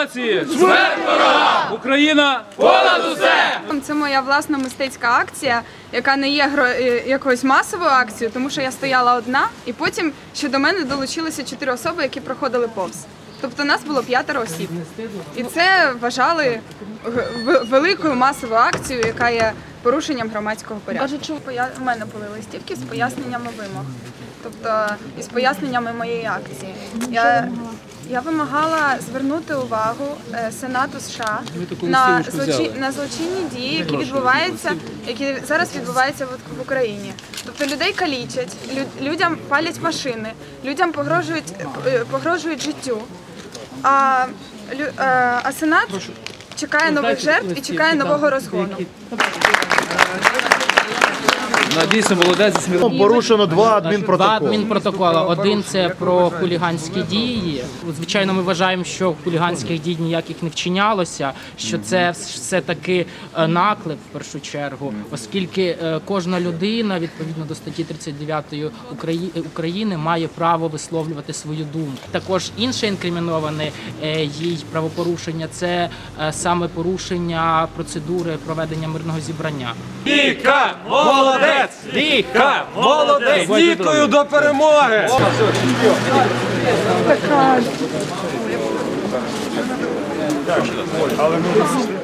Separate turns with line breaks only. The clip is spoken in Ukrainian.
нації! Смерть ворогам! Україна понад усе!
Це моя власна мистецька акція, яка не є якоюсь масовою акцією, тому що я стояла одна, і потім ще до мене долучилися 4 особи, які проходили повз. Тобто нас було 5 осіб. І це вважали великою масовою акцією, яка є порушенням громадського порядку. У мене були листівки з поясненнями вимог, тобто із поясненнями моєї акції. Я вимагала звернути увагу Сенату США на злочинні дії, які зараз відбуваються в Україні. Тобто людей калічать, людям палять машини, людям погрожують життю. А Сенат чекає нових жертв і чекає нового розгону.
Дійсно, молодець.
Порушено 2 адмінпротоколи.
2 адмінпротоколи. Один – це про хуліганські дії. Звичайно, ми вважаємо, що хуліганських дій ніяких не вчинялося, що це все-таки наклеп, в першу чергу, оскільки кожна людина, відповідно до статті 39 України, має право висловлювати свою думку. Також інше інкриміноване їй правопорушення – це саме порушення процедури проведення мирного зібрання.
Віка, молодець! Віка, молодець! З Вікою до перемоги!
Така.